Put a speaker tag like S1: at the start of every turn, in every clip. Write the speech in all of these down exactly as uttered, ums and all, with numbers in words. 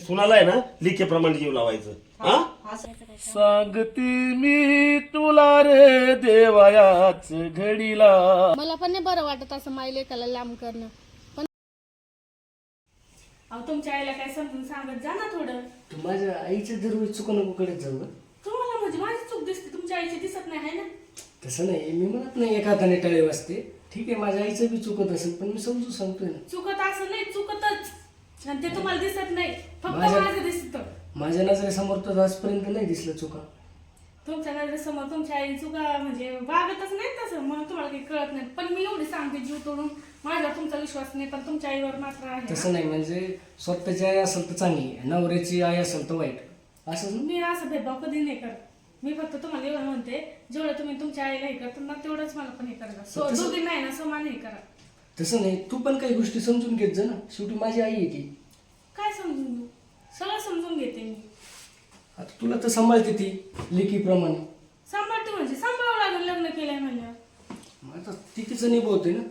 S1: सुनाला आहे ना लिखेप्रमाणे जीव लावायचं. हा सांगते मी तुला रे देवायाच घडीला.
S2: मला पण नाही बरं वाटत असं माई लेकाला लांब करणं. पण
S3: अहो तुमच्या आईला काय समजून सांगत जा ना थोडं.
S4: तू माझ्या आईच्या दरवेळी चुका नको कडे जाऊ ग.
S3: तुम्हाला म्हणजे माझी चूक दिसते, तुमच्या आईची दिसत नाही आहे ना.
S4: तसं नाही, मी म्हणत नाही एका हाताने टाळे वाजते. ठीक आहे, माझ्या आईचं बी चुकत असेल, पण मी समजून सांगतोय ना.
S3: चुकत असं नाही, चुकतच, आणि ते तुम्हाला दिसत नाही, फक्त
S4: माझ्या-
S3: माझं दिसत.
S4: माझ्या नजरेसमोर तर आजपर्यंत नाही दिसलं चुका.
S3: तुमच्या नजरेसमोर तुमच्या आई चुका म्हणजे वागतच नाही तसं, म्हणून तुम्हाला काही कळत नाही. पण मी एवढी सांगते जीव तोडून, माझ्यावर तुमचा विश्वास नाही, पण तुमच्या आईवर मात्र आहे.
S4: तसं नाही, म्हणजे स्वतःची आई असेल तर चांगली, नवऱ्याची आई असेल तर वाईट, असं
S3: मी असं भेदभाव कधी नाही करत. मी फक्त तुम्हाला एवढं म्हणते, जेवढं तुम्ही तुमच्या आईला हे करता ना तेवढंच मला पण हे करा. सो दोघी नाही ना समान हे करा.
S4: तसं नाही, तू पण काही गोष्टी समजून घेत जा ना. शेवटी माझी आई आहे ती.
S3: काय समजून घेऊ, सगळं समजून घेते मी.
S4: आता तुला तर सांभाळते ती लेकीप्रमाणे.
S3: सांभाळते म्हणजे सांभाळावं लागेल, लग्न केलंय म्हणल्यावर.
S4: मग आता ती तिचं निभवते ना.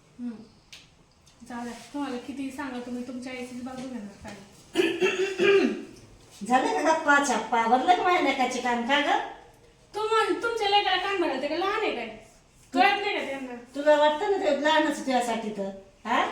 S3: चालेल, तुम्हाला किती सांगा तुम्ही तुमच्या आईचीच बाजू घेणार काय.
S5: झालं का गप्पा छप्पा भरलं का माझ्या लेकाचे काम का ग?
S3: तुम्हाला तुमच्या लेकाला काम भरायला ते काय लहान आहे काय, कळत नाही का त्यांना.
S5: तुला वाटतं ना ते लहानच तुझ्यासाठी तर हा.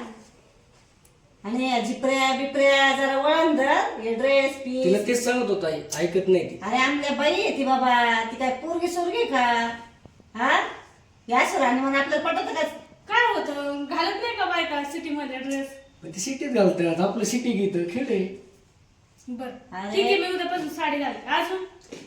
S5: आणि जिप्र्या बिप्र्या जरा वळण धर, हे ड्रेस
S4: तिला
S5: पीस.
S4: तेच सांगत होता, आई ऐकत नाही ती.
S5: अरे आमल्या बाई आहे ती बाबा, ती काय पोरगी सोरगी का हा. या सुराने मग आपल्याला पटत का?
S3: काय होतं, घालत नाही का बायका सिटी मध्ये ड्रेस.
S4: पण ती सिटीत घालतात, आपलं सिटी घेतं खेळ आहे.
S3: बर
S5: अरे.
S3: ठीक आहे, मी उद्यापासून साडी घालते. अजून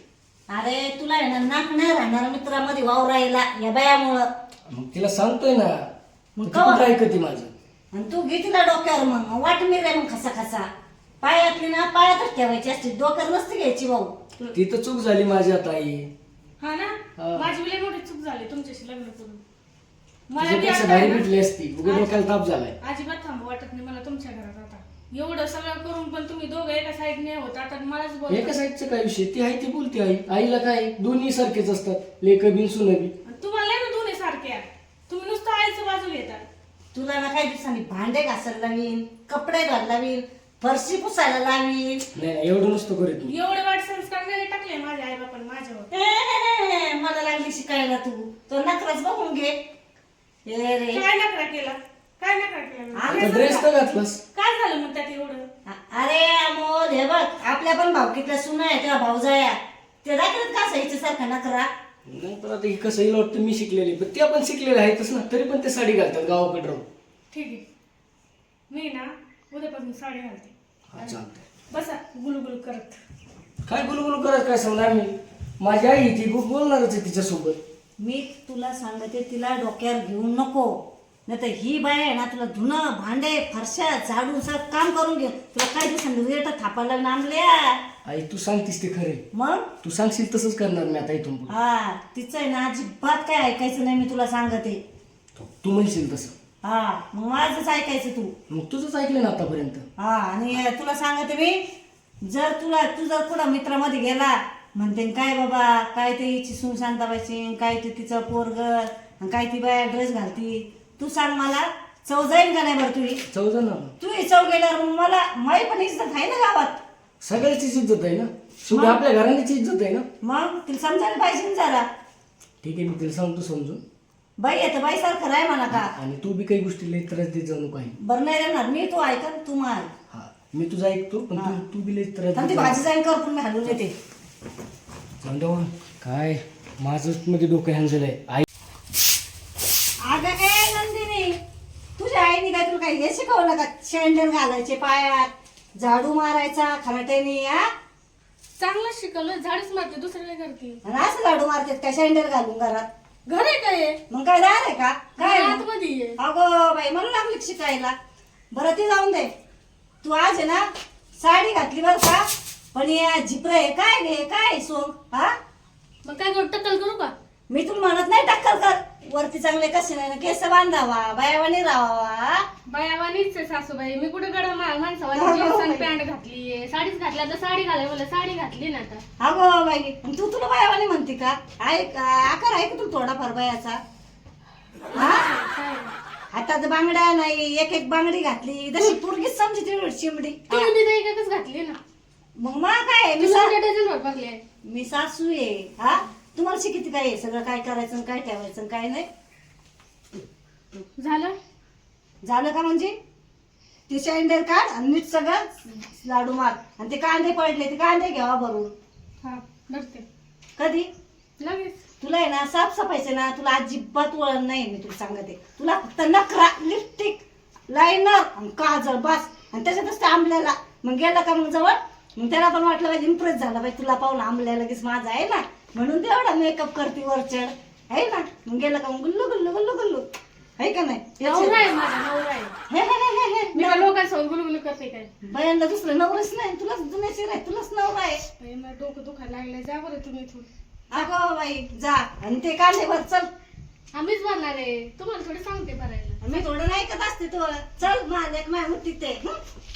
S5: अरे तुला आहे ना नाक नाही राहणार मित्रामध्ये वावरायला या बायामुळं.
S4: मग तिला सांगतोय ना,
S5: मग
S4: ती
S5: कवा?
S4: कुठं ऐकते माझं.
S5: आणि तू घे तिला डोक्यावर, मग वाट मी रे मग खसा खसा पायातली ना पायातच ठेवायची असते, डोक्यावर नसते घ्यायची भाऊ.
S4: ती तर चूक झाली माझी आता आई.
S3: हा ना,
S4: हा.
S3: माझी लई मोठी चूक झाली तुमच्याशी लग्न करून. मला बी
S4: तुझ्यापेक्षा
S3: आता
S4: भारी
S3: आहे
S4: भेटली असती, उगा
S3: ना,
S4: डोक्याला ताप झालाय.
S3: अजिबात थांबू वाटत नाही मला तुमच्या घरात आता. एवढं सगळं करून पण तुम्ही दोघं एका साईडने होत, आता मलाच बोल.
S4: एका साईडचं काय विषय, ती आहे ती बोलते आई. आईला काय, दोन्ही सारखेच असतात, लेक बी सुन बी.
S3: तुम्हाला ना दोन्ही सारखे आहे. तुम्ही नुसतं आईचं बाजू घेता.
S5: तुला ना काही दिवसांनी भांडे घासायला लावीन, कपडे घालायला लावीन, फरशी पुसायला लावीन.
S4: नाही नाही, एवढं नुसतं करत मी.
S3: एवढे वाईट संस्कार नाही टाकले माझ्या आई बापाने माझ्यावर.
S5: ए, ए, ए, मला लागली शिकायला तू तो नखराच बघून घे. ए रे
S3: काय नकरा केला, काय नकरा केला.
S5: आम्ही
S4: आता ड्रेस तर घातलास.
S3: काय झालं मग त्यात एवढं.
S5: अ- अरे अमोल हे बघ, आपल्या पण भावकीतल्या सुना आहे तेव्हा भाऊजाया ते दाखवत का साईच्या सारखा नखरा.
S4: नाही पण आता हे कसं हिला वाटतं मी शिकलेली, पण त्या पण शिकलेल्या आहेतच ना, तरी पण ते साडी घालतात गावाकडे राहून.
S3: ठीक आहे, मी ना उद्यापासून साडी घालते.
S4: हा चालतंय.
S3: बसा गुलगुल करत.
S4: काय गुलगुल करत काय समजा मी, माझी आई ती खूप बोलणारच आहे तिच्यासोबत.
S5: मी तुला सांगते तिला डोक्यावर घेऊ नको, नाही तर ही बाय आहे ना तुला धुणं भांडे फरशा झाडून सगळं काम करून घे. तुला काय दिवसांनी रेट थापायला नांबल्या.
S4: आई तू सांगतीस ते खरे,
S5: मग
S4: तू सांगशील तसंच करणार मी आता इथून पुढे.
S5: हा तिचं आहे ना अजिबात काय ऐकायचं नाही, मी तुला सांगते.
S4: तू म्हणशील तसं,
S5: हा मग माझंच ऐकायचं तू.
S4: मग तुझंच ऐकलं ना आतापर्यंत.
S5: हा आणि तुला सांगते मी, जर तुला तू जर कुठं मित्रामध्ये गेला म्हणते काय बाबा काय ते हिची सून शांताबाईची, काय ते तिचं पोरग, काय ती बाया ड्रेस घालती, तू सांग मला चव जाईल का नाही बरं तुझी.
S4: चौदा ना,
S5: तू ही चव गेल्यावर मग मला माई पण इज्जत आहे ना गावात.
S4: सगळ्याचीच इज्जत आहे ना, शेवटी आपल्या घराण्याची इज्जत आहे ना.
S5: मग तिला समजायला पाहिजे ना जरा.
S4: ठीक आहे, मी तिला सांगतो समजून.
S5: बाई येतं बाई सारखं राय म्हणा का.
S4: आणि तू बी काही गोष्टी लई त्रास देत जाऊ नको आहे.
S5: बरं नाही राहणार मी, तू ऐकन तू मार.
S4: हा मी तुझं ऐकतो, पण तू तू बी लई त्रास
S5: ती
S4: देत जाऊ
S5: भाजी जाईन कर पण मी हलवून येते.
S4: जाऊ दे बा. काय माझं मध्ये डोकं हँजल आहे. आई
S5: अगं ए नंदिनी, तुझ्या आईने काय तुला काय हे शिकवलं का, शेंडल घालायचे पायात, झाडू मारायचा खराट्याने. हा
S3: चांगलं शिकवलं, झाडच मारते, दुसरं काय करते.
S5: आणि असं झाडू मारतात का शेंडल घालून घरात.
S3: घर आहे काय
S5: मग काय दार आहे का काय मग?
S3: आतमध्ये आहे.
S5: अगो बाई मला लागली का शिकायला. बरं ती जाऊन दे, तू आज आहे ना साडी घातली बरं का, पण या झिपर आहे काय गे काय सोंग. हा
S3: मग काय करू, टक्कल करू का.
S5: मी तुला म्हणत नाही टक्कल कर, वरती चांगले कसे नाही केस बांधावा बायावानी राहावा.
S3: बायावानीच आहे सासूबाई, मी कुठे गडा माणसावानी जीन्स आणि पॅन्ट घातली, साडीच घातली. आता साडी घालाय मला साडी घातली ना आता.
S5: अगो बाई आणि तू तुला बायावानी म्हणते का. ऐक आकार आहे का तुला थोडाफार बायाचा. हा आता तर बांगड्या नाही, एक एक बांगडी घातली जशी पोरगीच समजते चिमडी.
S3: तुम्ही बी एकच घातली ना.
S5: मग मग काय मी
S2: मी
S5: सा-
S2: डझनवर बघले आहे.
S5: मी सासू आहे हा तुम्हाला शिकित काय आहे सगळं काय करायचं आणि काय ठेवायचं आणि काय नाही
S2: झालं
S5: झालं का म्हणजे ते शँडल काढ आणि नीट सगळं लाडू मार आणि ते कांदे पडले ते कांदे घ्यावा भरून
S2: हा भरते
S5: कधी
S2: लगेच.
S5: तुला आहे ना साफसफाईचे ना तुला अजिबात वळण नाही मी तुला सांगते तुला फक्त नखरा लिपस्टिक लायनर आणि काजळ बस आणि त्याच्यातच ते आंबल्याला मग गेला का मग जवळ मग त्याला पण वाटलं पाहिजे इम्प्रेस झाला पाहिजे तुला पाहून आंबल्या लगेच माझा आहे ना म्हणून तेवढा मेकअप करते वरचढ आहे ना मग गेला का मग गुल्लू गुल्लू गुल्लू गुल्लू आहे का नाही
S2: नवरा आहे माझा नवरा आहे.
S5: हे, हे, हे, हे, हे.
S2: मी काय लोकांसोबत गुलगुल करते काय.
S5: बायांना दुसरं नवरच नाही तुलाच जुन्याची आहे तुलाच नवरा आहे
S2: बाई, मला डोकं दुखायला लागलं. जा बरं तुम्ही इथून.
S5: अगो बाई जा आणि ते कांदे भर चल
S2: आम्हीच भरणार आहे. तुम्हाला थोडी सांगते भरायला.
S5: मी थोडं नाही ऐकत असते तो चल माझ्या एक माय होती ते हं?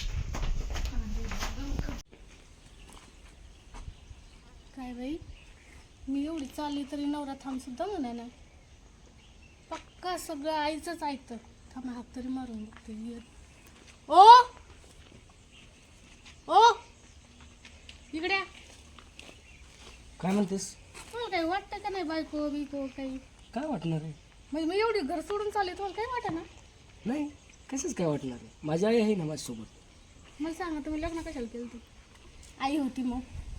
S2: काय बाई मी एवढी चालली तरी नवरा थांब सुद्धा म्हणा ना. पक्का सगळं आईचंच ऐकतं. थांब हात तरी मारून बघते. ओ ओ इकडे या.
S4: काय म्हणतेस?
S2: तुम्हाला काही वाटतं का नाही बायको बिको काही
S4: काय वाटणार आहे?
S2: म्हणजे मी एवढी घर सोडून चालले तुम्हाला काही वाटत ना.
S4: नाही कसंच काय वाटणार आहे? माझी आई आहे ना माझ्यासोबत.
S2: मला सांगा तुम्ही लग्न कशाला केलं ते. आई होती मग.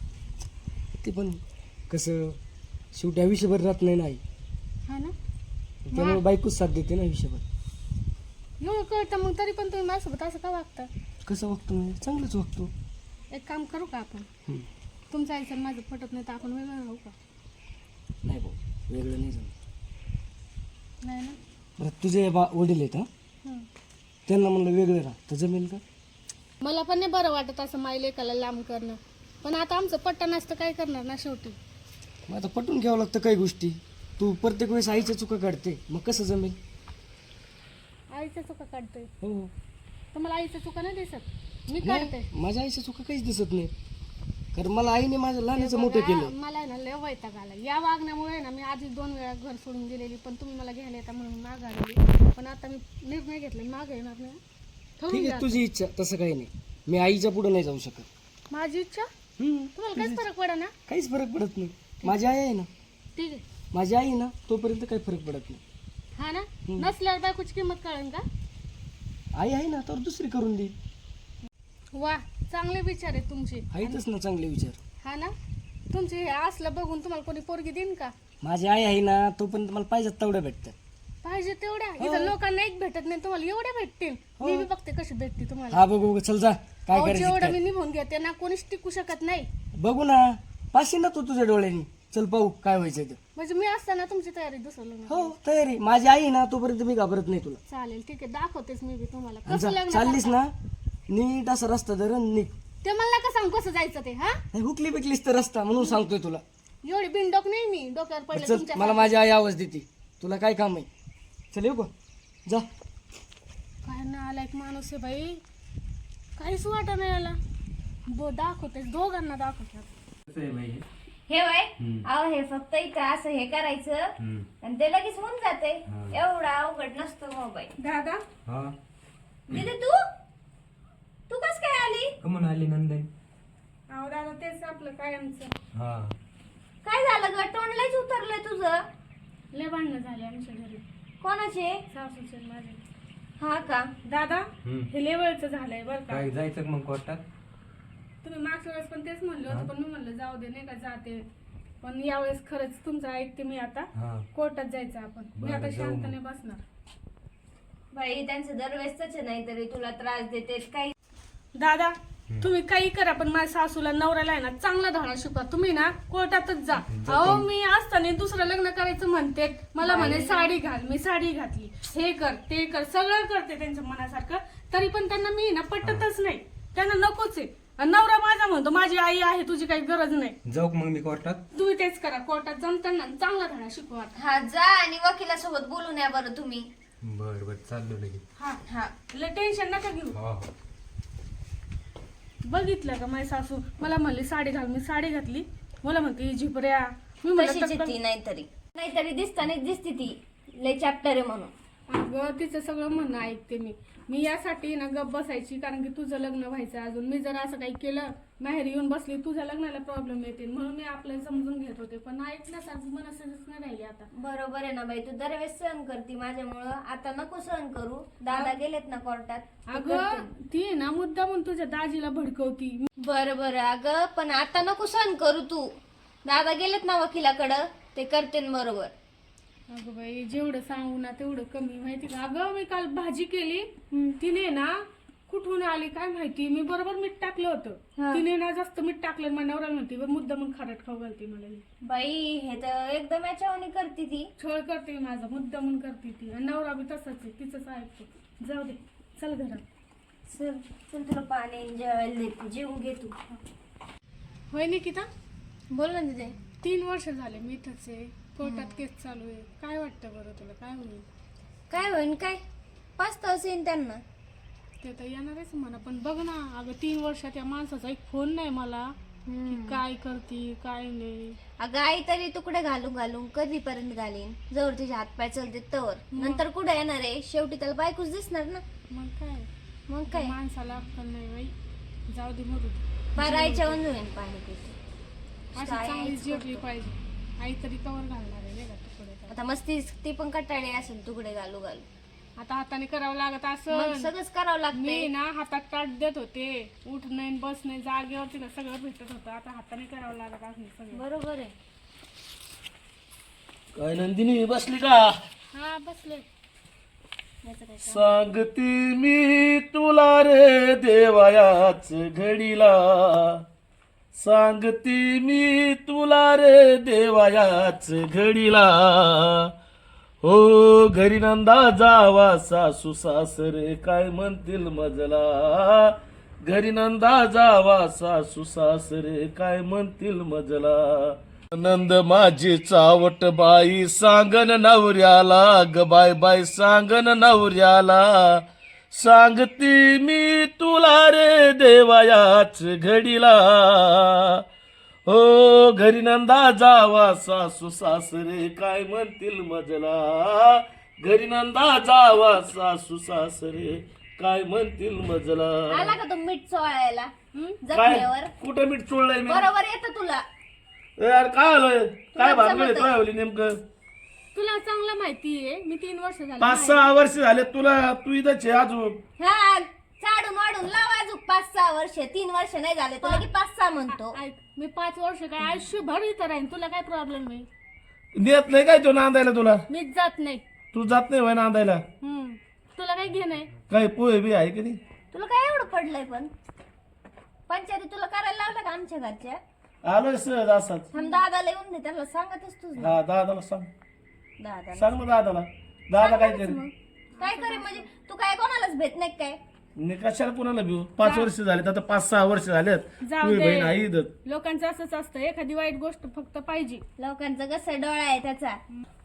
S4: ते पण कसं शेवटी आयुष्यभर राहत नाही ना आई
S2: हा ना
S4: त्यामुळे बायकोच साथ देते ना आयुष्यभर.
S2: एवढं कळतं मग तरी पण तुम्ही माझ्यासोबत असं का वागता.
S4: कसं वागतो मी? चांगलंच वागतो.
S2: एक काम करू का आपण
S4: हम्म.
S2: तुमचं आईचं माझं पटत नाही तर आपण वेगळं राहू का.
S4: नाही भाऊ वेगळं नाही जमत.
S2: नाही ना.
S4: बरं तुझे बा वडील आहेत हा
S2: हं.
S4: त्यांना म्हणलं वेगळं राहा तर जमेल का?
S2: मला पण नाही बरं वाटत असं माई लेकाला लांब करणं पण आता आमचं पट्टा नसतं काय करणार ना शेवटी.
S4: मग आता पटून घ्यावं लागतं काही गोष्टी. तू प्रत्येक वेळेस आईच्या चुका काढते मग कसं जमेल?
S2: आईच्या चुका काढतोय
S4: हो
S2: तर मला आईच्या चुका नाही दिसत मी
S4: नाही,
S2: काढते.
S4: माझ्या आईच्या चुका काहीच दिसत नाही कारण मला आईने माझं लहानाचं मोठं केलं.
S2: मला आहे ना लय वैताग आला या वागण्यामुळे ना. मी आधी दोन वेळा घर सोडून गेलेली पण तुम्ही मला घ्यायला येता म्हणून माग आलेली पण आता मी निर्णय घेतला माग येणार नाही. ठरवून
S4: ठीक
S2: घ्या.
S4: आहे तुझी इच्छा तसं काही नाही. मी आईच्या पुढे नाही जाऊ शकत.
S2: माझी इच्छा
S4: हम्म,
S2: तुम्हाला काहीच फरक पडा ना.
S4: काहीच फरक पडत नाही. माझी आई आहे ना
S2: ठीक आहे
S4: माझी आई ना तोपर्यंत काही फरक पडत नाही.
S2: हा ना नसल्यावर बायकोची किंमत कळेल का.
S4: आई आहे ना तर दुसरी करून दे.
S2: वा चांगले विचार आहेत तुमचे.
S4: आहेतच ना चांगले विचार.
S2: हा ना तुमचे हे असलं बघून तुम्हाला कोणी पोरगी देईन का.
S4: माझी आई आहे ना तोपर्यंत मला पाहिजे तेवढ्या भेटतात.
S2: पाहिजे तेवढ्या इथं लोकांना एक भेटत नाही तुम्हाला एवढ्या भेटतील. मी बी बघते कशी भेटते तुम्हाला.
S4: हा बघू बघू चल जा काय
S2: अहो,
S4: करायचं
S2: जेवढं
S4: ते
S2: मी निभून घेते ना कोणीच टिकू शकत नाही.
S4: कर. बघू ना पाशी ना तू तुझ्या डोळ्यांनी. चल पाहू काय व्हायचं ते.
S2: म्हणजे मी असताना तुमची तयारी दुसरं लग्न.
S4: हो तयारी. माझी आई ना तोपर्यंत मी घाबरत नाही तुला.
S2: चालेल ठीक आहे दाखवतेच मी बी तुम्हाला
S4: आणि
S2: कसं
S4: जा,
S2: लग्न
S4: चाललीस
S2: करता.
S4: ना नीट असा रस्ता धर आणि निघ.
S2: ते मला का सांग कसं जायचं ते. हा
S4: नाही, हुकली बिकलीस तर रस्ता म्हणून सांगतोय तुला.
S2: एवढी बिनडोक नाही मी डोक्यावर पडलं
S4: चल
S2: तुमच्या.
S4: मला माझी आई आवाज देते. तुला काय काम आहे? चल येऊ का? जा.
S2: काय ना आला एक माणूस आहे बाई काहीच वाटत नाही याला. बो दाखवते दोघांना दाखवते.
S6: हे वय अहो हे फक्त इथं असं हे करायचं आणि ते लगेच होऊन जाते. एवढा अवघड नसतो मोबाईल.
S2: दादा
S7: हा
S6: दिदी तू तू कस काय आली?
S7: कमून आली नंदन?
S2: अहो दादा तेच आपलं कायमचं.
S7: हा
S6: काय झालं ग? तोंडलाच उतरलंय तुझं.
S2: लय भांडणं झाले आमच्या घरी
S6: कोणाचे?
S2: सासूचे आणि माझे.
S6: हा का?
S2: दादा
S7: हम्म.
S2: हे लेवलचं झालंय बरं का.
S7: काय जायचं का मग कोर्टात?
S2: तुम्ही मागच्या वेळेस पण तेच म्हणलं होतं पण मी म्हणलं जाऊ दे नाही का जाते पण यावेळेस खरंच तुमचं ऐकते मी आता.
S7: हा
S2: कोर्टात जायचं आपण. मी
S7: बरं,
S2: आता
S7: जाऊ
S2: शांतने बसणार.
S6: बाई त्यांचं दरवेळेसच नाही तरी तुला त्रास देते काही.
S3: दादा तुम्ही काही करा पण माझ्या सासूला नवऱ्याला आहे ना चांगला धडा शिकवा. तुम्ही ना कोर्टातच जा. अहो मी असताना दुसरं लग्न करायचं म्हणते मला म्हणे साडी घाल. मी साडी घातली. हे कर ते कर सगळं करते त्यांच्या मनासारखं तरी पण त्यांना मी ना पटतच नाही. त्यांना नकोच आहे. आणि नवरा माझा म्हणतो माझी आई आहे तुझी काही गरज नाही.
S7: जाऊ का मग मी कोर्टात?
S3: तुम्ही तेच करा कोर्टात जाऊन त्यांना चांगला धडा शिकवा.
S6: हा जा आणि वकिलासोबत बोलून या बरं तुम्ही.
S7: बर बर चाललो लगेच.
S3: हा
S6: हा
S3: लय टेन्शन नका घेऊ.
S7: हा
S3: बघितलं का माझी सासू मला म्हणली साडी घाल. मी साडी घातली. मला म्हणते झिपऱ्या. मी
S6: कशीची
S3: म्हणलं
S6: ती नाहीतरी नाहीतरी दिसताना दिसती ती लय चॅप्टर आहे म्हणून.
S3: अगं तिचं सगळं म्हणणं ऐकते मी मी यासाठी ना गप बसायची, कारण की तुझं लग्न व्हायचं अजून. मी जर असं काही केलं माहेर येऊन बसली तुझ्या लग्नाला प्रॉब्लेम येतील, म्हणून मी आपल्याला समजून घेत होते. पण ऐकण्यासारखं मनस्थितीच नाही राहिली आता.
S6: बरोबर आहे ना बाई, तू दरवेळेस सहन करते माझ्यामुळं, आता नको सहन करू. दादा गेलेत ना कोर्टात.
S3: अगं ती आहे ना मुद्दा म्हणून तुझ्या दाजीला भडकवती.
S6: बरं बरं अगं, पण आता नको सहन करू तू. दादा गेलेत ना वकिलाकडं, ते करते न बरोबर.
S3: अगं बाई जेवढं सांगू ना तेवढं कमी, माहिती का. अगं मी काल भाजी केली, तिने ना कुठून आली काय माहिती, मी बरोबर मीठ टाकलं होतं, तिने ना जास्त मीठ टाकलं. माझ्या नवऱ्याला म्हणते मुद्दा म्हणून खारट खाऊ घालते मला.
S6: बाई हे तर एकदम याच्यावानी करते ती.
S3: छळ करते माझा, मुद्दा म्हणून करते ती. आणि नवरा बी तसाच आहे, तिचंच ऐकतो. जाऊ दे चल घरात.
S6: चल चल तुला पाणी जेवायला देते, जेवून घे तू.
S3: होय निकिता,
S6: बोल ना तिथे.
S3: तीन वर्ष झाले मी इथंच आहे, कोर्टात केस चालू आहे. काय वाटतं बरं तुला, काय होईल?
S6: काय होईन काय, पाच तास येईन त्यांना.
S3: ते तर येणारच म्हणा, पण बघ ना अगं तीन वर्षात या माणसाचा एक फोन नाही मला की काय करते काय नाही.
S6: अगं आई तरी तुकडे घालून घालून कधीपर्यंत घालीन, जवळ तुझे हात पाय चलते तवर. नंतर कुठे येणार आहे, शेवटी त्याला बायकोच दिसणार ना.
S3: मग काय,
S6: मग काय
S3: माणसाला अक्कल नाही बाई. जाऊ दे मरू दे.
S6: बारायच्या वंजू येईन पाणी पिते.
S3: अशी चांगली जेवली पाहिजे. आई तरी कवर घालणार आहे नाही का तुकडे.
S6: आता मस्ती ती पण कटाळी असेल तुकडे घालू घालू.
S3: आता हाताने करावं लागत
S6: मग
S3: असं.
S6: सगळंच करावं
S3: मी
S6: लागते.
S3: ना हातात ताट देत होते, उठ नाही बस नाही, जागेवरती ना सगळं भेटत होतं. आता हाताने करावं लागत असं सगळं.
S6: बरोबर आहे.
S1: काय नंदिनी बसली का?
S3: हा बसले.
S1: सांगते मी तुला रे देवायाच घडीला, सांगते मी तुला रे देवायाच घडीला. हो घरी नंदा जावा सासू सासरे काय म्हणतील मजला, घरी नंदा जावा सासू सासरे काय म्हणतील मजला. नंद माझी चावट बाई सांगन नवऱ्याला, ग बाय बाय सांगन नवऱ्याला. सांगती मी तुला रे देवायाच घडीला. हो घरी नंदा जावा सासू सासरे काय म्हणतील मजला, घरी नंदा जावा सासू सासरे काय म्हणतील मजला.
S6: आला का तो मीठ चोळायला
S1: काय
S6: जखमेवर?
S1: कुठं मीठ चोळलंय मी?
S6: बरोबर येतं तुला.
S1: यार काय आलोय, काय भानगड काय होली नेमकं?
S3: तुला चांगलं माहितीये मी तीन वर्ष झाली.
S1: पाच सहा वर्ष झाले तुला, तू इथंच आहे अजून.
S6: हा चाडून वाढून लाव अजून पाच सहा वर्ष. तीन वर्ष नाही झाले तुला की पाच सहा म्हणतो.
S3: ऐक, मी पाच वर्ष काय आयुष्यभर इथं राहीन, तुला काय प्रॉब्लेम आहे?
S1: नेत नाही काय तो नांदायला तुला?
S3: मीच जात नाही.
S1: तू जात नाही होय नांदायला?
S3: हम्म तुला काय घेणं आहे?
S1: काय पोहे बी आहे कधी?
S6: तुला काय एवढं पडलंय पण? पंचायती तुला करायला लावलं का आमच्या घरच्या?
S1: आलोय सहज असाच.
S6: थांब दादाला येऊन दे, त्याला सांगतच तुझ.
S1: हा दादाला सांग,
S6: दादा
S1: सांग ना दादाला. दादा काय करेल?
S6: काय करे म्हणजे तू काय कोणालाच भेट नाही काय?
S1: मी कशाला कुणाला भिऊ? पाच वर्ष झालेत आता, पाच सहा वर्ष झालेत.
S3: जाऊ
S1: तुझी
S3: दे.
S1: बहीण आई इथं.
S3: लोकांचं असंच असतं, एखादी वाईट गोष्ट फक्त पाहिजे.
S6: लोकांचा कसा डोळा आहे त्याचा.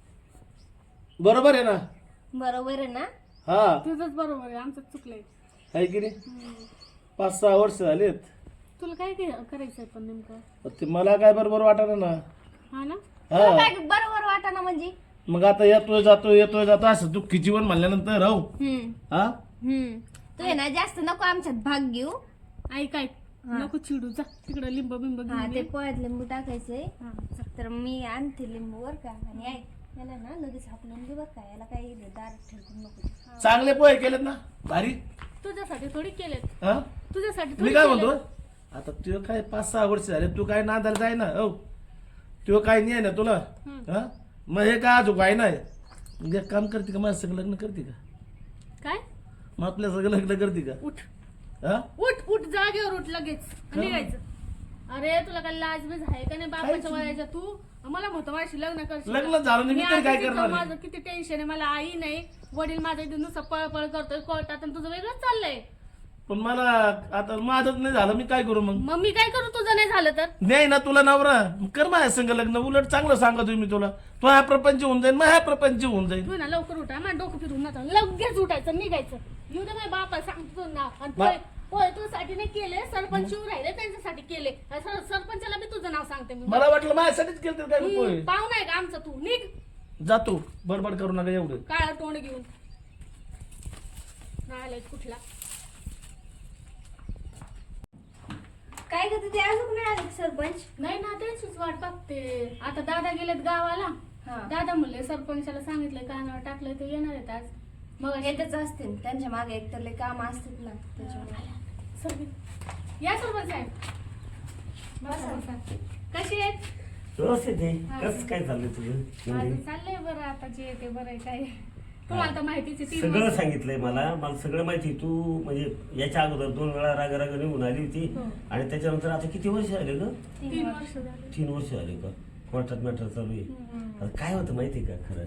S1: बरोबर आहे ना?
S6: बरोबर आहे ना?
S1: हा
S3: तुझंच बरोबर आहे, आमचं चुकलंय.
S1: आहे की नाही? पाच सहा वर्ष झालेत.
S3: तुला काय घे- करायचंय पण नेमकं?
S1: ते मला काय बरोबर वाटत ना.
S3: हा ना.
S6: तुला
S1: हा
S6: काय बरोबर वाटाना म्हणजे?
S1: मग आता येतोय जातोय येतोय जातो असं दुःखी जीवन म्हणल्यानंतर हो.
S6: हम्म
S1: हा
S6: हम्म तू आहे ना जास्त नको आमच्यात भाग घेऊ.
S3: ऐक ऐक, नको चिडू, जा तिकडे लिंब बिंब
S6: हा
S3: घेऊन
S6: ते
S3: ये.
S6: पोळ्यात लिंबू टाकायचंय.
S3: हा, जा.
S6: तर मी आणते लिंबू बर का. आणि ऐक याला ना लगेच हाकलून दे बर का. याला काही दार ठेवून नको.
S1: चांगले पोहे केलेत ना भारी.
S3: तुझ्यासाठी थोडी केलेत,
S1: हा
S3: तुझ्यासाठी
S1: मी
S3: थोडी
S1: काय
S3: केलेत.
S1: म्हणतो, आता तू काय पाच सहा वर्ष झाले, तू काय नादाला जाय ना हो. तू काय नाही आहे ना तुला. हा मग हे काय अजून काय नाही. म्हणजे एक काम करते का, माझ्या सगळं लग्न करते का?
S3: काय?
S1: मग आपल्या सगळं लग्न करते का?
S3: उठ
S1: हा
S3: उठ उठ, जागेवर उठ लगेच आणि निघायचं. अरे तुला काय लाज बीज आहे का नाही बापाच्या वयाच्या? तू मला म्हणतो माझ्याशी लग्न करशील का?
S1: लग्न झालं नाही, मी
S3: मी
S1: तरी काय
S3: आता तिथं
S1: करणार आहे?
S3: माझं किती टेन्शन आहे, मला आई नाही, वडील माझ्या इथे नुसतं पळपळ करतोय कोर्टात, आणि तुझं वेगळंच चाललंय.
S1: पण मला आता माझंच नाही झालं, मी काय करू मग?
S3: मग मी काय करू तुझं नाही झालं तर?
S1: नाही ना तुला नवरा, मग कर माझ्या संग लग्न. उलट चांगलं सांगतो मी तुला. तो हा प्रपंच होऊन जाईल, मग हा प्रपंच होऊन जाईल.
S3: तू ना लवकर उठा, माझं डोकं फिरून नका, लगेच उठायचं निघायचं. येऊ दे माझ्या बापा सांगतो ना. आणि
S1: मा-
S3: पोय- पोय तुझ्यासाठी नाही केले, सरपंच येऊ राहिले त्यांच्यासाठी केले. सर- सरपंचाला बी तुझं नाव सांगते मी.
S1: मला वाटलं माझ्यासाठीच केलं तर काय
S3: हम्म,
S1: पोहे.
S3: पाहुणा आहे का आमचा? तू निघ
S1: जातो, बडबड करू नका एवढं.
S3: काळा तोंड घेऊन. आलाय कुठला.
S6: काय करते ते अजून नाही आले सरपंच?
S3: नाही ना त्यांचीच वाट बघते. आता दादा गेलेत गावाला.
S6: हा.
S3: दादा म्हणले सरपंचाला सांगितलंय कानावर टाकलंय ते येणार आहेत आज.
S6: मग येतच असतील, त्यांच्या मागे एकतर लय काम असतात ना त्याच्यामुळे.
S3: सरपंच या सरपंच साहेब. बसा, बसा. कशी आहेत?
S1: व्यवस्थित आहे. कसं काय चाललंय तुझं?
S3: माझं चाललंय बरं. आता जे ते बरं आहे काय. तुम्हाला तर माहितीच आहे, तीन
S1: सगळं
S3: वर्ष-
S1: सांगितलंय मला मला सगळं माहिती. तू म्हणजे याच्या अगोदर दोन वेळा राग राग निघून आली होती
S3: हो.
S1: आणि त्याच्यानंतर आता किती वर्ष आले ग?
S3: तीन वर्ष झाले.
S1: तीन वर्ष आले का? कोर्टात मॅटर चालू आहे.
S3: हम्म.
S1: आता काय होतं माहिती आहे का खरं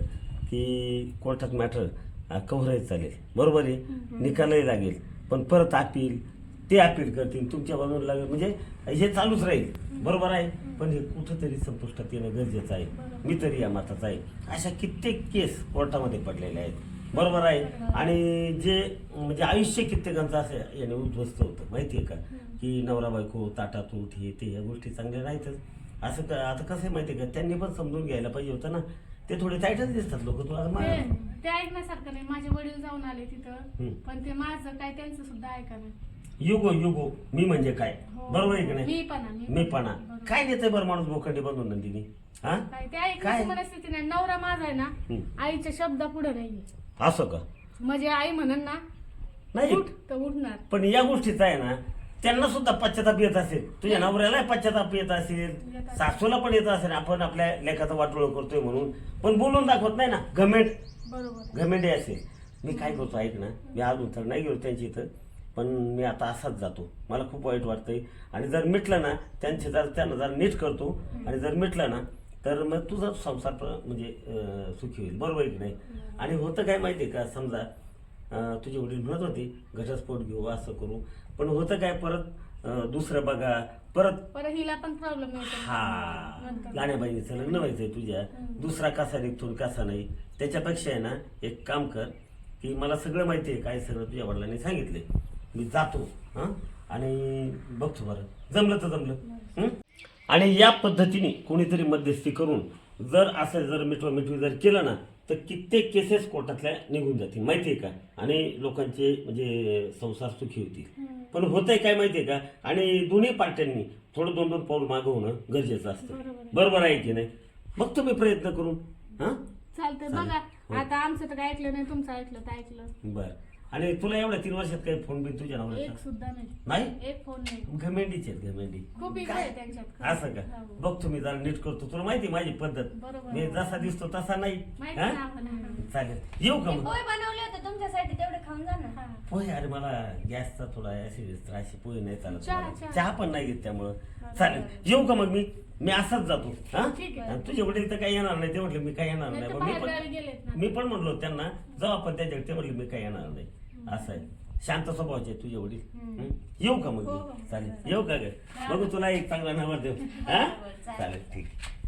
S1: की कोर्टात मॅटर कव्हरायच चालेल, बरोबर आहे, निकालही लागेल, पण परत अपील ते अपील करतील, तुमच्या बाजूला लागेल, म्हणजे हे चालूच राहील, बरोबर आहे. पण हे कुठंतरी संपुष्टात येणं गरजेचं आहे. मी तरी या मताचा आहे. अशा कित्येक केस कोर्टामध्ये पडलेले आहेत, बरोबर आहे. आणि जे म्हणजे आयुष्य कित्येकांचं असं याने उद्ध्वस्त होतं माहिती आहे का, की नवरा बायको ताटात उठ हे ते या गोष्टी चांगल्या नाहीतच. असं का आता कसं आहे माहिती आहे का, त्यांनी पण समजून घ्यायला पाहिजे होतं ना. ते थोडे टाईटच दिसतात लोक तुला.
S3: ते- ते ऐकण्यासारखं नाही. माझे वडील जाऊन आले तिथं,
S1: हम्म.
S3: पण ते माझं काय त्यांचं सुद्धा ऐका नाही.
S1: युगो युगो मी म्हणजे काय,
S3: हो.
S1: बरोबर आहे की नाही?
S3: मी पण आहे, मी पण.
S1: मी पण
S3: बरोबर.
S1: काय नेते बरं माणूस बोखंडी बांधून नंदिनी, हा
S3: काय ते
S1: काय?
S3: ऐकण्याची मनस्थिती नाही. नवरा माझा आहे ना,
S1: हम्म.
S3: आईच्या शब्दा पुढे नाहीये.
S1: असं का?
S3: म्हणजे आई म्हणन ना
S1: नाही
S3: उठ तर उठणार.
S1: पण या गोष्टीचा आहे ना, त्यांना सुद्धा पश्चाताप येत असेल, तुझ्या नवऱ्याला पश्चाताप येत असेल, सासूला पण येत असेल, आपण आपल्या लेखाचा वाटोळ करतोय म्हणून, पण बोलून दाखवत नाही ना. घमेंड
S3: बरोबर.
S1: घमेंडे असेल. मी काय करतो ऐक ना, मी अजून तर नाही गेलो त्यांच्या इथं, पण मी आता असाच जातो. मला खूप वाईट वाटतंय. आणि जर मिटलं ना त्यांचे जर त्यांना जर नीट करतो, आणि जर मिटलं ना तर मग तुझा संसार प्र- म्हणजे अं, सुखी होईल, बरोबर आहे की नाही? आणि होतं काय माहिती आहे का, समजा अं, तुझे वडील म्हणत होते घटस्फोट घेऊ असं करू, पण होतं काय परत अं, दुसरं बघा परत.
S3: परत हिला पण प्रॉब्लेम येतो
S1: हा
S3: नंतर.
S1: गाण्याबाईचं लग्न व्हायचंय तुझ्या, दुसरा कसा निघतो कसा नाही. त्याच्यापेक्षा आहे ना एक काम कर, की मला सगळं माहिती आहे काय सगळं तुझ्या वडिलांनी सांगितलंय, मी जातो हां आणि बघतो बरं जमलं तर जमलं. हं? आणि या पद्धतीने कोणीतरी मध्यस्थी करून जर असं जर मिठवा मिठवी जर केलं ना तर कित्येक केसेस कोर्टातल्या निघून जातील माहिती आहे का, आणि लोकांचे म्हणजे संसार सुखी होतील. पण होतंय काय माहिती आहे का, आणि दोन्ही पार्ट्यांनी थोडं दोन दोन पाऊल मागं होणं गरजेचं असतं, बरोबर आहे की नाही? बघतो मी प्रयत्न करून. हां
S3: चालतंय बघा. आता आमचं तर काय ऐकलं नाही, तुमचं ऐकलं तर ऐकलं.
S1: बर. आणि तुला एवढ्या तीन वर्षात काही फोन बिन तुझ्या
S3: एक
S1: नवऱ्याचा
S3: सुद्धा नाही.
S1: नाही?
S3: एक फोन नाही.
S1: घमेंडीचे आहेत घमेंडी.
S3: खूप इच्छा आहे त्यांच्यात.
S1: असं का?
S3: हो.
S1: बघतो मी जरा नीट करतो. तुला माहिती माझी पद्धत,
S3: बरोबर.
S1: मी जसा दिसतो तसा नाही.
S3: माहिती
S1: हा?
S3: ना आम्हाला.
S1: चालेल येऊ का मग?
S6: पोहे बनवले होते तुमच्यासाठी, तेवढे खाऊन जा ना.
S3: हा.
S1: पोहे अरे मला गॅसचा थोडा ऍसिड त्रास, पोहे नाही चालत
S3: चहा,
S1: मला.
S3: चहा.
S1: चहा पण नाही घेत त्यामुळं. चालेल येऊ का मग मी मी असंच जातो. हा
S3: ठीक आहे.
S1: आणि तुझे वडील तर काही येणार नाही ते म्हटले मी काही येणार
S3: नाही
S1: नाही.
S3: तर
S1: मग मी
S3: बाहेर गावी
S1: पण
S3: गेलेत ना.
S1: मी पण म्हणलो त्यांना जाऊ आपण त्याच्याकडे, ते म्हटले मी काही येणार नाही. असं आहे, शांत स्वभावाचे आहेत तुझे वडील. हं? येऊ का मग
S3: हो, हो.
S1: मी? चालेल येऊ का ग? बघू तुला एक चांगला नंबर देऊ. हा चालेल ठीक.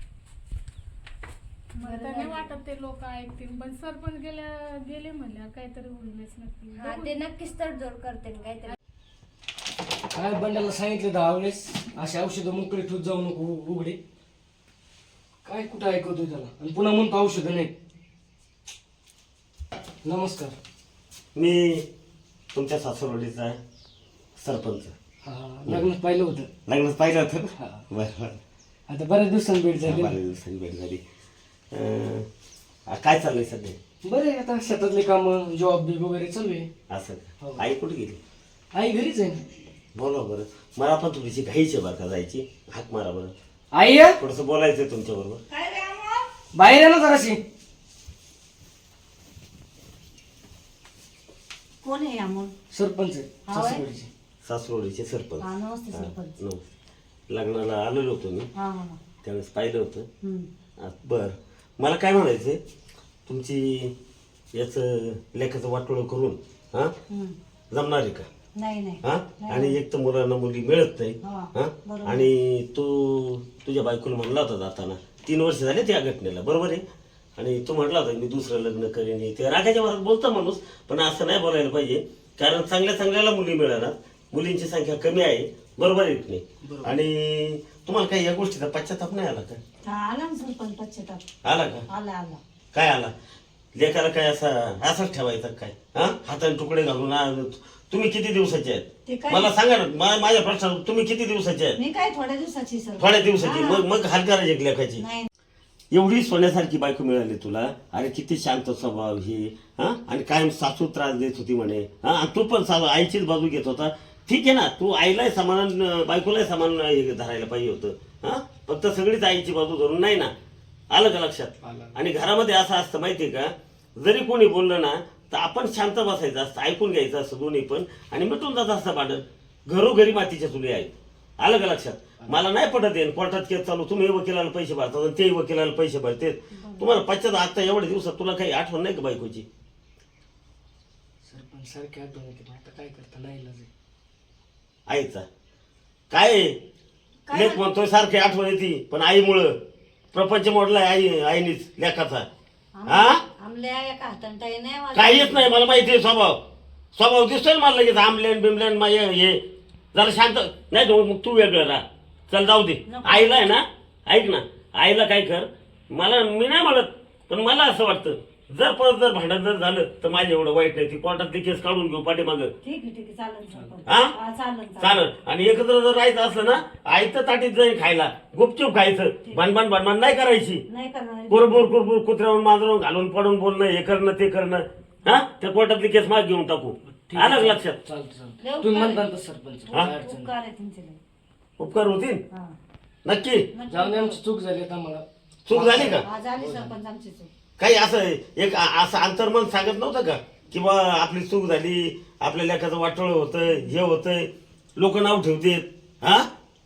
S3: मला तर नाही वाटत ते लोक ऐकतील, पण सरपंच गेल्या गेले म्हणल्यावर काहीतरी होईलच नक्की.
S6: हा ते नक्कीच तडजोड करते न काहीतरी.
S4: काय बंडाला सांगितलं दहा वेळेस अशी औषधं मोकळी ठेवत जाऊ नको उ- उघडे. काय कुठं ऐकवतोय त्याला, आणि पुन्हा म्हणतो औषधं नाही. नमस्कार.
S1: मी तुमच्या सासरवडीचा सरपंच.
S4: हा लग्नात पाहिलं होतं.
S1: लग्नात पाहिलं होतं
S4: हा.
S1: ना? बरं बरं.
S4: आता बऱ्याच दिवसांनी भेट झाली.
S1: बऱ्याच दिवसांनी भेट झाली. अं, आ, काय चाललंय सध्या?
S4: बरं आहे, आता शेतातले काम जॉब बी वगैरे चालू आहे.
S1: असं
S4: हो.
S1: का? आई कुठे गेली?
S4: आई घरीच आहे.
S1: बोला बरं. मला पण थोडीशी घाईची बरं का जायची. हाक मारा बरं,
S4: आई आहे?
S1: थोडस बोलायचंय तुमच्या बरोबर.
S5: काय रे अमोल?
S4: बाहेर आहे ना जराशी.
S5: कोण आहे अमोल?
S4: सरपंच आहे
S5: हा होय?
S4: सासरवाडीचे.
S1: सासरोडीचे सरपंच.
S5: हा नमस्ते
S1: हा,
S5: सरपंच.
S1: नमस्ते. लग्नाला आलेलो होतो मी,
S5: हा हा हा.
S1: त्यावेळेस पाहिलं होतं.
S5: हम्म.
S1: आ, बरं मला काय म्हणायचंय, तुमची याचं लेखाचं वाटोळं करून हा
S5: हम्म.
S1: जमणार आहे का?
S5: नाही नाही
S1: हा आणि एक तर मुलांना मुली मिळत नाही.
S5: हा,
S1: हा
S5: बरोबर.
S1: आणि तू तुझ्या बायकोला म्हणला होता जाताना, तीन वर्ष झाले त्या घटनेला, बरोबर आहे, आणि तू म्हटला होता मी दुसरं लग्न करेन. हे ते रागाच्या वरात बोलतो माणूस, पण असं नाही बोलायला पाहिजे, कारण चांगल्या चांगल्याला मुली मिळणार, मुलींची संख्या कमी आहे, बरोबर आहे की नाही? आणि तुम्हाला काही या गोष्टीचा पश्चाताप नाही आला का?
S5: हा आला ना सरपंच पश्चाताप.
S1: आला का?
S5: आला आला.
S1: काय आला? लेकाला काय असा असाच ठेवायचा काय हा हाताने तुकडे घालून आ, तुम्ही किती दिवसाचे
S5: ते
S1: आहेत
S5: काय?
S1: मला सांगा ना मा- माझ्या प्रश्न तुम्ही किती दिवसाचे आहेत
S5: मी काय थोड्या दिवसाची सर
S1: थोड्या दिवसाची
S5: हा.
S1: मग मग हाल करायची एक लेखाची
S5: नाही
S1: एवढी सोन्यासारखी बायको मिळाली तुला अरे किती शांत स्वभाव ही हा आणि कायम सासू त्रास देत होती म्हणे हा आणि तू पण सा आईचीच बाजू घेत होता ठीक आहे ना तू आईलाही समान बायकोलाही समान हे धरायला पाहिजे होतं हा फक्त सगळीच आईची बाजू धरून नाही ना आलं का लक्षात
S4: आलं.
S1: आणि घरामध्ये असं असतं माहितीये का जरी कोणी बोललं ना तर आपण शांत बसायचं असतं ऐकून घ्यायचं असतं दोन्ही पण आणि मिटून जात असतं भांडण घरोघरी मातीच्या चुली आहेत आलं का लक्षात मला नाही पटत येईल कोर्टात केस चालू तुम्ही वकिलाला पैसे भरतात आणि तेही वकिलाला पैसे भरते तुम्हाला पश्चात आता एवढ्या दिवसात तुला काही आठवण नाही का बायकोची
S4: सरपंच सारखे आठवण येते पण आता काय करता नाही इलाज आहे.
S1: आईचा काय आहे? लेख म्हणतोय सारखी आठवण येते पण आईमुळं प्रपंच मोडलाय आई आईनीच लेखाचा हा
S5: आमल्या एका हाताने टाई नाही वाजत.
S1: काहीच नाही मला माहिती आहे स्वभाव स्वभाव दिसतोय ना मला लगेच आमलेन बिमलेन मा- हे हे. जरा शांत नाही तो मग तू वेगळं राहा चल जाऊ दे आईला आहे ना ऐक ना आईला काय कर मला मी नाही म्हणत पण मला असं वाटतं जर परत जर भांडण जर झालं तर माझं एवढं वाईट नाही ती कोर्टातली केस काढून घेऊ पाठीमागं
S5: ठीक आहे ठीक आहे चालेल सरपंच.
S1: हा?
S5: हा, चालेल चालेल
S1: चालेल आणि एकत्र जर राहायचं असलं ना आईचं ताटीत जाईल खायला गुपचूप खायचं भानभान भानभान नाही करायची
S5: नाही करणार
S1: कुरबुर कुरबुर कुत्र्यावरून मांजरून घालून पडून बोलणं हे करणं ते करणं हा त्या कोर्टातली केस माग घेऊन टाकू
S4: ठीक आहे,
S1: आलं का लक्षात
S4: चालतं चालतं
S5: लय
S4: तुम्ही
S5: उपकार
S4: म्हणता तसं सरपंच
S1: हा?
S4: काय अडचण
S5: उपकार आहे तुमचे लय.
S1: उपकार होतील
S5: हा.
S1: नक्की
S4: नाही. जाऊ दे आमची चूक झाली आता मला
S1: चूक झाली का
S5: हा झाली सरपंच आमची चूक
S1: काही असं एक आ- असं अंतर्मन सांगत नव्हतं का की बा आपली चूक झाली आपल्या लेखाचं वाटोळ होतंय हे होतंय लोक नाव ठेवतेत हा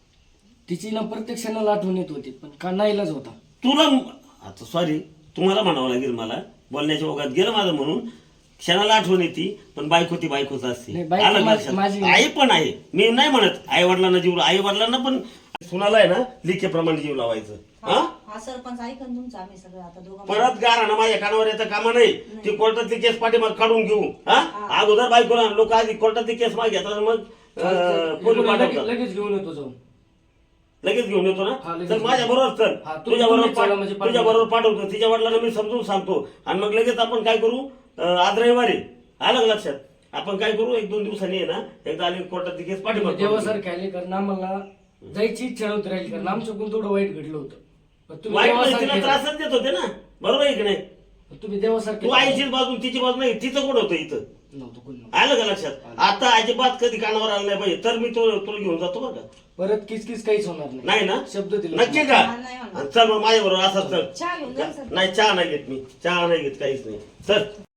S4: तिची ना प्रत्यक्षाला आठवण येत होती पण का नाही इलाज होता
S1: तुला आता सॉरी तुम्हाला म्हणावं लागेल मला बोलण्याच्या ओघात गेलं माझं म्हणून क्षणाला आठवण येते पण बायको ती बायकोच असते
S4: नाही, बायको
S1: आलं
S4: माझी-
S1: लक्षात?
S4: माझी-
S1: आई पण आहे मी नाही म्हणत आई वडिलांना जीव आई वडिलांना पण सुनाला आहे ना लिखेप्रमाणे जीव लावायचं हा
S5: हा सरपंच ऐकन तुमचं आम्ही सगळं आता दोघं
S1: परत गारा माझ्या कानावर येतं कामा नाही ती कोर्टातली केस पाठीमाग काढून घेऊ हा अगोदर बायकोला लोक आधी कोर्टातली केस माग घेतात आणि मग अं, पोलीस
S4: लगेच
S1: पाठवतात
S4: लगेच घेऊन येतो जाऊन
S1: लगेच घेऊन येतो
S4: हा,
S1: ना
S4: लगेच
S1: तर माझ्या बरोबर चल
S4: हा, तू-
S1: तुझ्या
S4: तुम्ही चला
S1: बरोबर
S4: म्हणजे पाठवतो.
S1: तुझ्या बरोबर पाठवतो तिच्या वडिलांना मी समजून सांगतो आणि मग लगेच आपण काय करू अं, आज रविवारी आलं का लक्षात आपण काय करू एक दोन दिवसांनी आहे ना एकदा आली कोर्टातली केस पाठीमाग काढून घेऊ.
S4: देवासारखे आले कारण आम्हाला जायची इच्छा नव्हती राहिली कारण आमच्याकडून थोडं वाईट घडलं होतं पण तुम्ही
S1: वाईट नाही, तिला
S4: देवासारखे
S1: त्रासच देत होते ना बरोबर आहे की नाही
S4: तुम्ही देवासारखे
S1: तू आईचीच बाजू तिची बाजू नाही तिचं कोण होतं इथं
S4: नव्हतं कोणी नव्हतं.
S1: आलं का लक्षात आता अजिबात कधी कानावर आलं नाही पाहिजे तर मी तो तुला घेऊन जातो बरं का
S4: परत किस किस काहीच होणार नाही
S1: नाही ना
S4: शब्द दिला
S1: नक्की का
S5: नाही म्हणणार.
S1: चल मग माझ्या बरोबर असाच
S5: चहा घेऊन जा
S1: चल नाही चहा नाही घेत मी चहा नाही घेत काहीच नाही चल